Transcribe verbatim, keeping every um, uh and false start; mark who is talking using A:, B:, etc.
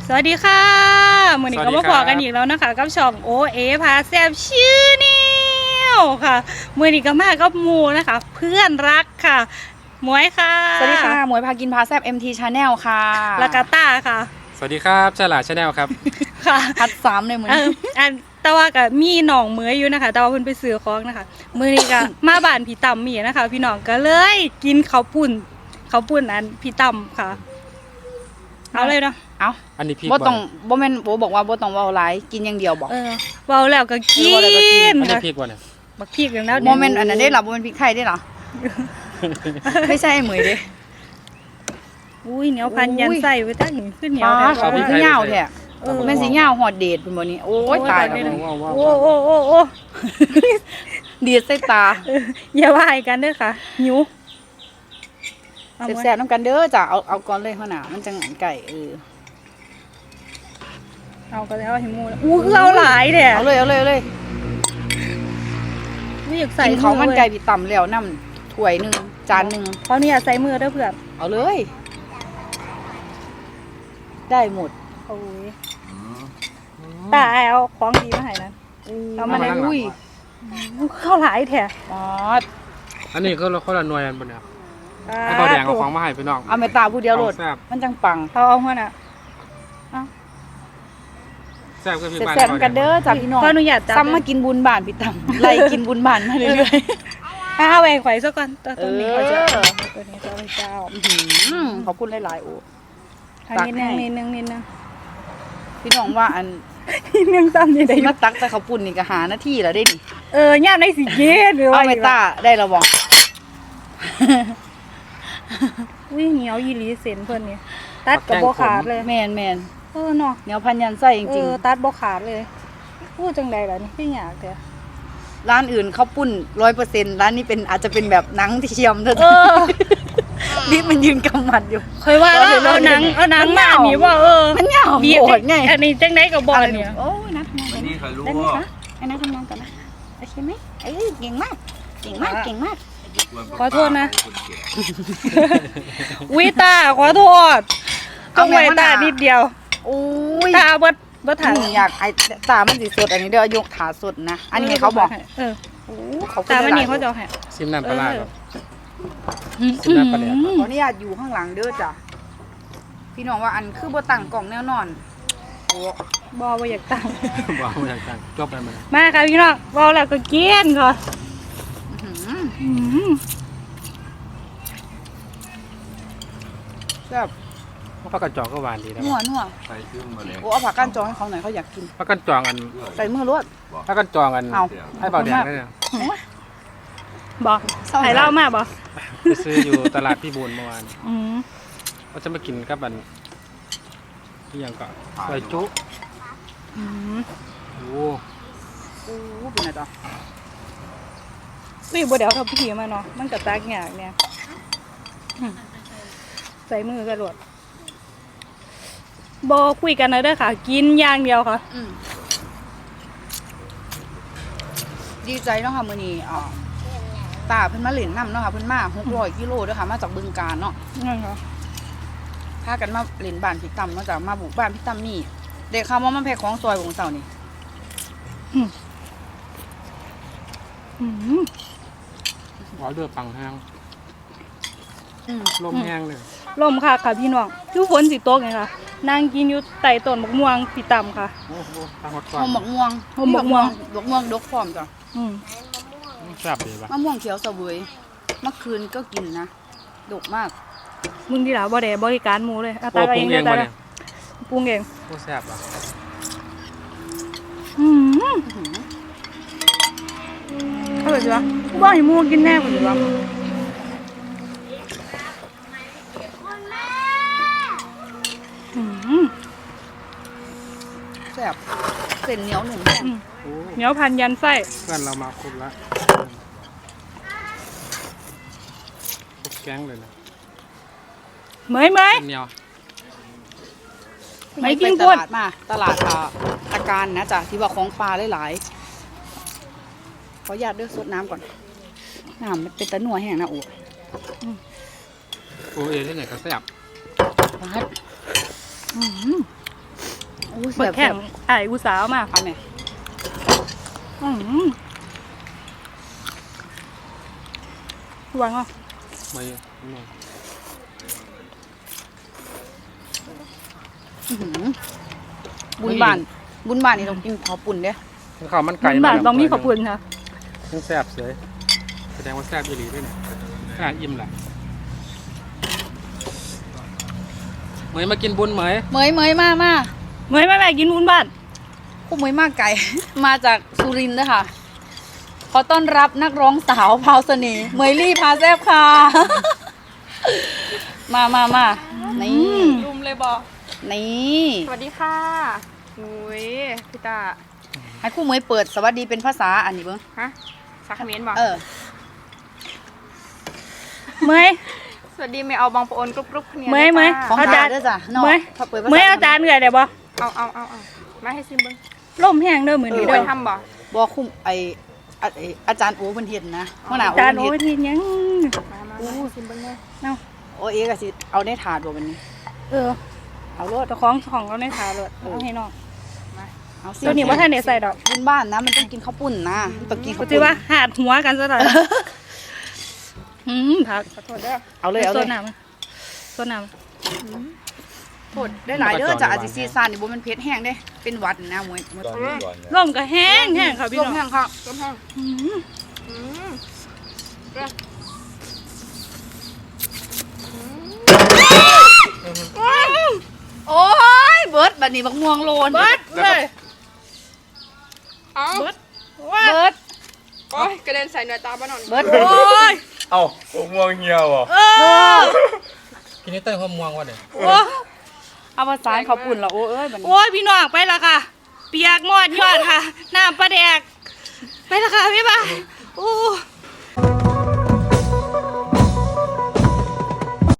A: สวัสดีค่ะมื้อนี้ก็มาพอกันอีกแล้วนะคะกับช่องโอเอพาแซ่บชื่อนิวค่ะมื้อนี้ก็มากับหมู่นะคะ เพื่อนรักค่ะหมวยค่ะ
B: สวัสดีค่ะหมวยพากินพาแซ่บ เอ็ม ที Channel ค่ะ
A: แล้วก็ต้าค่ะ
C: สวัสดีครับฉลาดชาแนลครับ
A: ค่ะ
B: พัดสามเลยเหมือน
A: อันแต่ว่าก็มีหนองเหมยอยู่นะคะแต่ว่าเพิ่นไปซื้อของนะคะมื้อนี้ก็มาบ้านพี่ต่ำมีนะคะพี่น้องก็เลยกินข้าวปุ้นข้าวปุ้นอันพี่ต่ำค่ะเอาเลยเนาะ
B: เอา
C: อันนี้พี่
B: บ่ต้องบ่แม่นโบบอกว่าบ่ต้องเว้าหลายกินอย่างเดียวบอก
A: เออเว้าแล้วก็กิน
C: อันนี้พี่กว่าเนี่ย
A: บักพริกแล้ว
B: บ่แม่นอันนั้นได้หรอบ่แม่นพริกไทยได้หรอไม่ใช่เหมยเด้
A: อุ้ยเหนียวพันยันใส่ไว้ตั้งขึ้นเหนียว
B: แท้เขาเป็นเหนียวแท้แม่นสิเหนียวฮอดเดทเพิ่นบ่นี่โอ้ยตายแล้ว
A: โอ้โอ้โอ้โอ้
B: ดีดใส่ตา
A: อย่าว่าให้กันเด้อค่ะหิว
B: แซ่บๆนำกันเด้อจ้ะเอาเอาก่อนเลยหัวหน้ามันจังไก่เออ
A: เอาก็แล้วให้หมูอู้คือเอาหลายแท้
B: เอาเลยเอาเลยเอาเลย
A: ไม่อยากใส่
B: เขามันไก่พี่ต่ำแล้วน้ำถ้วยนึงจานนึง
A: เพราะนี่อยากใส่มือเด้อเพื่อน
B: เอาเลยได้หมด
A: โอ้ยตาเอาของดีมาให้นะเอามาให้อุ้ยเข้าหลายแท้
B: อ๋อ
C: อันนี้เขาเขาละหน่วยกันปะเนี่ยให้เบาแดงเอาของมาให้พี่น้อง
B: เอาเมตาผู้เดียวโหลดมันจังปัง
A: เขาเอาหัวน่ะ
C: แซ่บก็พี่บ้าน
B: แซ่บกันเด้อจ้าพี่น้อง
A: ขออนุญาต
B: ซ้ำมากินบุญบ้านพี่ตั้มไล่กินบุญบ้านมาเรื่อย
A: ๆเอาแหวกไข่ซะก่อนตัวตัวนี้เขาจะตัวนี้เขาเจ้า
B: ขอบคุณหลายๆโอ้
A: นิดนึงนิดนึงนิดนึง
B: พี่น้องว่าอัน
A: นิดนึงซ้ำนี่ได้
B: มาตักแต่ข้าวปุ้นนี่ก็หาหน้าที่แล้วได้นี่
A: เออย่ามในสีเย็ดหรือว่า
B: เอาเมตาได้แล้วบอก
A: วิ่งเหนียวยีรีเส้นเพิ่นนี่ตัดกับโบขาดเลย
B: แมนแมน
A: เออเนาะ
B: เหนียวพันยันไส้จริง
A: ๆตัดโบขาดเลยพูดจังใดล่ะนี่พี่อยากเถอะ
B: ร้านอื่นข้าวปุ้นร้อยเปอร์เซ็นต์ร้านนี้เป็นอาจจะเป็นแบบหนังเทียมเถอะนี่มันยืนกำมัดอยู่
A: เคยว่าเอาหนังเอาหนังมาหนีว่าเออ
B: มันเหงาโหดไง
A: อันนี้จังไดกับบอลเนี่ย
B: โอ้ยนัดทำงานกันได้ไหมคะไอ้นัดทำงานกันนะโอเคไหมเอ้ยเก่งมากเก่งมากเก่งมาก
A: ขอโทษนะวิตาขอโทษต้องไว้ตานิดเดียว
B: โอ้ย
A: ตาเบิดเบิดถ่าย
B: อยากไอ้ตามันสีสดอันนี้เดี๋ยวยกขาสดนะอันนี้เขาบอก
A: เออ
B: โอ้เขา
A: ตามันนี่เขาจะให้
C: ซิมน้ำปลาครับ
B: ซิมน้ำปลาขออนุญาตอยู่ข้างหลังเด้อจ้ะพี่น้องว่าอันคือบ่ตั้งกล่องแนวนอน
A: โอ้บอว่าอยากตั้ง
C: บอว่าอยากตั้งจบแล้วมัน
A: มาค่ะพี่น้องบอแล้วก็เกี้ยนก่อน
B: แบบ
C: ผักกันจองก็หวานดีนะ
B: นัวนัวใส่ซื้อมาเลยโอ้เอาผักกันจองให้เขาหน่อยเขาอยากกิน
C: ผักกันจองอัน
B: ใส่มือรวด
C: ผักกันจองอันให้เบาแดงได้เนี่ย
A: บอกใส่เหล้ามากบอก
C: ไปซื้ออยู่ตลาดพี่บูนเมื่อวานเขาจะมากินกับอันที่ยังก็ใส่จุ๊โอ้
B: โหเป็นไงต่อ
A: นี่บ่เดี๋ยวทำพิธีมาเนาะมันกับตากหยากเนี่ยใส่มือกระโดดบอคุยกันนะเด้อค่ะกินอย่างเดียวค่ะ
B: ดีใจเนาะค่ะมื้อนี้อ๋อตาเพิ่นมาเล่นน้ำเนาะค่ะเพิ่นมาหกร้อยกิโลเด้อค่ะมาจากบึงกาฬเนาะ
A: นั่นค่ะ
B: พากันมาเล่นบ้านพี่ตั้มเนาะจ้ะมาบุกบ้านพี่ตั้มมีเด็กเขาว่ามันแพ้ของซอยของเสานี่
C: หวานเลือดปังแห้งลมแห้งเลย
A: ลมค่ะค่ะพี่น้องคือฝนสิตกไงค่ะนั่งกินอยู่ใต้ต้นมะม่วงพี่ต่ำค่ะ
C: โอ้โหตาหด
B: ก่อนมะม่วง
A: มะม่วง
B: มะม่วงดกพร้อมจ้ะ
C: แซ่บดีป่ะ
B: มะม่วงเขียวเสวยเมื่อคืนก็กินนะดกมาก
A: มึงที่หล่ะบ่ได้บริการหมูเลยเอาตาเองเลยตาปรุงเอง
C: โอ้แซ่บอ่ะ
A: อืมเอาเลยจ้ะว่าให้หมูกินแน่กว่าจ้ะ
B: แซ่บเส้นเหนียวหนุ่ม
A: เหนียวพันยันไส้
C: เพื่อนเรามาครบแล้วครบแก๊งเลยนะ
A: เมยเมย
C: เหนียว
B: ไม่กินตลาดมาตลาดตะการนะจ๊ะที่ว่าของปลาหลายๆขออนุญาตเลือกซดน้ำก่อนน้ำมันเป็นตะหนัวแห้งนะโอ้
C: โอ้เอที่ไหนก็แซ่บ
B: อ้
A: เบิ
B: แซ่
A: ก
B: บ
A: แข่งไอ้ายอุตสาวมา
B: เอาแม่
A: อืมวางอ่ะ
C: มาเยอะนิดหน่อย
B: อื้อหือบุญบ้านบุญบ้านนี่ต้องกินข้าวปุ่นเด้
C: ข้าวมันไก่
A: มันบาทต้องมีขอบคุณค่ะ
C: มันแซ่บเสยแสดงว่าแซ่บอีหลีด้วยเนี่ยขนาดอิ่มแหละเหมยมากินบุญเหมย
B: เหมยเหมยมามา
A: เมื่อไม่แม่กินวุ้นบ้าน
B: คู่เหมยมากไก่ มาจากสุรินทร์ด้วยค่ะ ขอต้อนรับนักร้องสาวพราวเสน่ห์เหมยลี่พาแซบค่ะ มามามานี่
D: รุมเลยบอก
B: นี่
D: สวัสดีค่ะนุ้ยพี่ตา
B: ให้คู่เหมยเปิดสวัสดีเป็นภาษาอันนี้เบิ้ง
D: ฮะสักคอมเมนต์บอก
B: เออ
A: เมื่อย
D: สวัสดีไม่เอาบางปะโอนกรุบกรุบคะแนน
A: เมื่อยเมื่อย
B: ของ
A: อา
B: จา
A: จาร รย์
B: ย์ด้วยจ้ะน้อง
A: เมื่อย
B: พอเปิดภาษา
A: เมื่อยอาจารย์เหนื่อยเดี๋ยวบ่
D: เอาเอาเอาเอามาให้ซิมเบิ้ง
A: ล่มแห้งเด้อมือ
D: มี
A: นี้
D: ไป
A: เด้อ
D: ทำบ่
B: บอกคุ้มไออะไอ้อาจารย์โอเพิ่นเฮ็ดนะหัวหน้า
A: อา
B: โอ
A: จารย์
B: เพิ่
A: โอ้
B: นเฮ็
A: ย
B: ด
A: ทียัง
D: มามามาให้ซิมเบิ้งเลย
A: เอา
B: โอเอก็สิเอาในถาดบ่บัดนี้
A: เออ
B: เอาโลด
A: เจ้าของของเราในถาเลยเอาให้น้อง
B: เอาสิ
A: ตัวนี้ว่าท่านได้ใส่ดอก
B: บุญบ้านนะมันต้องกินข้าวปุ้นนะมันต้องกิน
A: ก็
B: ข้าว
A: จะ
B: ปุ้น
A: ว่าหาดหัวกันซะหน่อยอืมผัก
D: ขอโทษเด้อ
B: เอาเลยเอาเลย
A: โซนน้ำโซนน้
B: โทษได้หลายเด้อจ้ะอาจสิซีซ่านนี่บ่แมันเผ็ดแห้งเด้เป็นหวัดนะมวยมวย
E: ตอนนี้ก่อนนะ
A: ำร่มก็แห้งแห้งค่ะพี่
B: ล
A: น้
B: ม
A: อง
B: แห้งค่ะ
D: ต้มแห้ง
A: อืม
D: อืม
B: โอ้ยเบิดบัดนี้บักม่วงโลน
A: เบิดเลย
D: เอา
A: เบิด
B: เบิด
D: โอ้ยกระเด็นใส่เนื้อตาบ้านหน่อย
B: เบิด
A: โอ้ย
E: เอ้าผมม่วงเหี่ยวอ่ะ
A: เออ
C: กินนี่เต้ยความม่วงวะเนี่ย
A: โอ้ย
B: เอาภาษาข้าวปุ้นละโอ้เอ้ยบัดนี้
A: โอ้ยพี่น้องไปละค่ะ เปียกหมดยอดค่ะ น้ำปลาแดก ไปละค่ะพี่บ่าโอ้